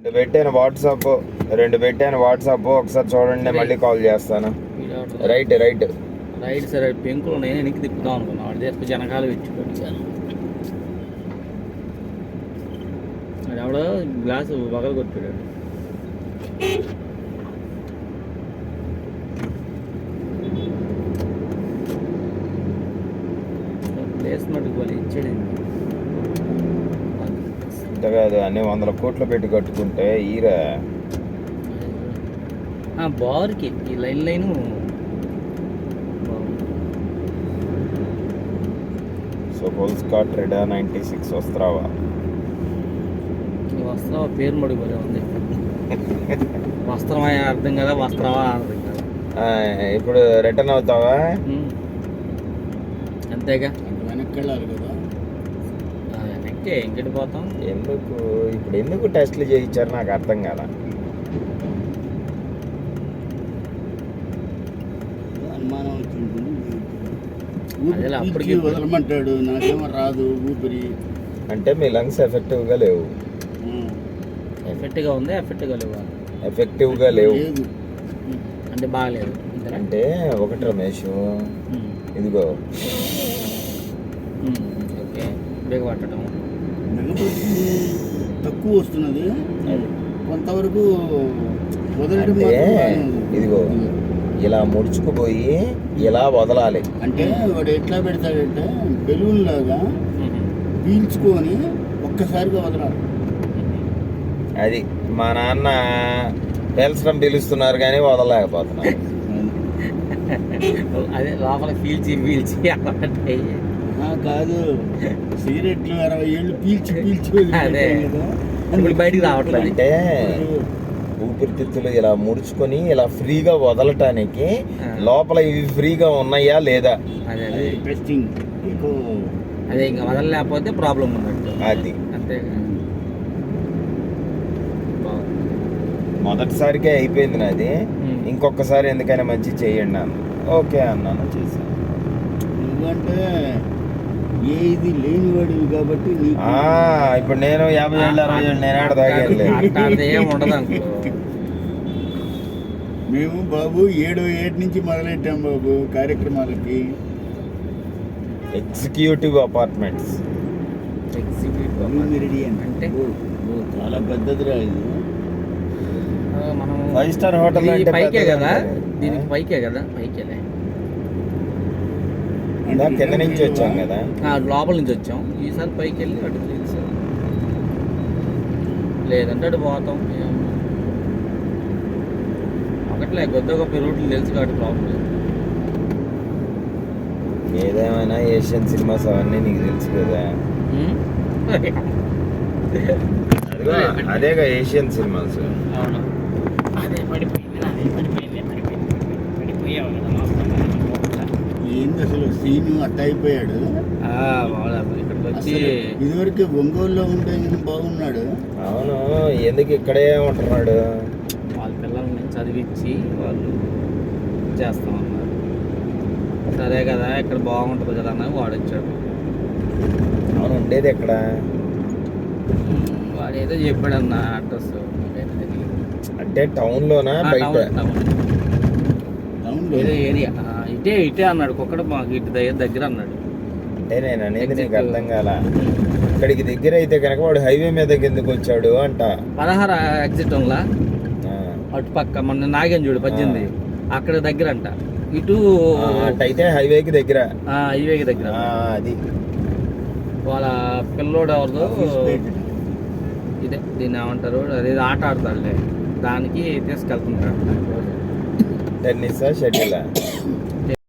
రెండు పెట్టాను వాట్సాప్ ఒకసారి చూడండి, మళ్ళీ కాల్ చేస్తాను. రైట్ రైట్ రైట్ సరే. పెంకులు నేను వెనక్కి తిప్పుదాం అనుకున్నాను, వాడి దగ్గర జనకాలు పెట్టుకోండి. అది ఎవడో గ్లాసు పగలు కొట్టాడు. ప్లేస్ మటుకు ఇచ్చాడు. ఇంత కాదు, అన్ని 100 కోట్లు పెట్టి కట్టుకుంటే ఈరా బార్కి ఈ లైన్ సో పోల్స్కాట్ రెడా 96 వస్త్రావా పేరు మడుగు ఉంది. వస్త్రమా అర్థం కదా, వస్త్రమా అర్థం కదా. ఇప్పుడు రిటర్న్ అవుతావా? అంతేగా, వెనక్కి వెళ్ళాలి కదా. వెనక్కి ఇంకటి పోతాం. ఎందుకు టెస్ట్లు చేయించారు నాకు అర్థం కదా. అనుమానం అప్పటికి వదలమంటాడు, నాకేమో రాదు ఊపిరి. అంటే మీ లంగ్స్ ఎఫెక్టివ్గా లేవు. ఎఫెక్ట్గా ఉంది, ఎఫెక్టివ్గా లేవు అంటే బాగలేదు. అంటే ఒకటి రమేష్, ఇదిగో ఓకే బ్రేక్ పట్టడం తక్కువ వస్తున్నది కొంతవరకు వదలడం. ఇదిగో ఇలా ముడుచుకుపోయి ఇలా వదలాలి. అంటే వాడు ఎట్లా పెడతాడంటే బెలూన్ లాగా పీల్చుకొని ఒక్కసారిగా వదలాలి. అది మా నాన్న పేల్చడం పిలుస్తున్నారు కానీ వదలలేకపోతున్నారు. అదే లోపల పీల్చి కాదు, సిగరెట్లు 60 ఏళ్ళు పీల్చి అదే ఇప్పుడు బయటికి రావట్లేదు. అంటే ఊపిరితిత్తులు ఇలా ముడుచుకొని ఇలా ఫ్రీగా వదలటానికి లోపల ఇవి ఫ్రీగా ఉన్నాయా లేదా అదే టెస్టింగ్. అదే ఇంకా వదలలేకపోతే ప్రాబ్లం ఉన్నట్టు. అది అంతే. మొదటిసారికే అయిపోయింది నాది, ఇంకొకసారి ఎందుకైనా మంచి చేయండి అన్న. ఓకే అన్నాను, చేశాను. నువ్వంటే ఏది లేనివాడివి కాబట్టి ఇప్పుడు నేను 50 ఏళ్ళు 60 ఏళ్ళు నేను ఆడ తాగేది. మేము బాబు 7 ఏటి నుంచి మొదలెట్టాం బాబు కార్యక్రమాలకి. ఎగ్జిక్యూటివ్ అపార్ట్మెంట్స్ అంటే చాలా పెద్దదిరా ఇది. మనం 5 స్టార్ హోటల్ పైకే కదా, దీనికి పైకే కదా, పైకేలే. కింద నుంచి వచ్చాం కదా, లోపల నుంచి వచ్చాం. ఈసారి పైకి వెళ్ళి అటు తెలుసు, లేదంటే అటు పోతాం. ఒకట్లే కొద్దిగా గొప్ప రూట్లు తెలుసు కాబట్టి ప్రాబ్లం లేదు. ఏదేమైనా ఏషియన్ సినిమాస్ అవన్నీ నీకు తెలుసు కదా. అదేగా ఏషియన్ సినిమాస్. ఏంది అసలు సీను అట్ట అయిపోయాడు. ఇదివరకు ఒంగోలులో ఉంటే బాగున్నాడు. అవును, ఎందుకు ఇక్కడే ఉంటున్నాడు? వాళ్ళ పిల్లల్ని చదివించి వాళ్ళు చేస్తామన్నారు. సరే కదా, ఇక్కడ బాగుంటుంది కదా అన్న వాడు వచ్చాడు. అవును, ఉండేది ఎక్కడ? వాడు ఏదో చెప్పాడు అన్న అడ్రస్. అంటే టౌన్లోనా బయట? ఏదో ఏరియా ఇటే అన్నాడు. ఒక్కడ మాకు ఇటు దగ్గర అన్నాడు. అంటే నేను అనేది నీకు అర్థం కాల. ఇక్కడికి దగ్గర అయితే కనుక వాడు హైవే మీద ఎందుకు వచ్చాడు అంట. 16 ఎగ్జిట్ ఉందా అటు పక్క, మన నాగేం చూడు 18 అక్కడ దగ్గర అంట. ఇటు అయితే హైవేకి దగ్గర, హైవేకి దగ్గర. అది వాళ్ళ పిల్లోడు ఎవరిదో ఇదే, దీన్ని ఏమంటారు, అదే ఆట ఆడతాడులే, దానికి తీసుకెళ్తుంటాడు. Tennis shuttle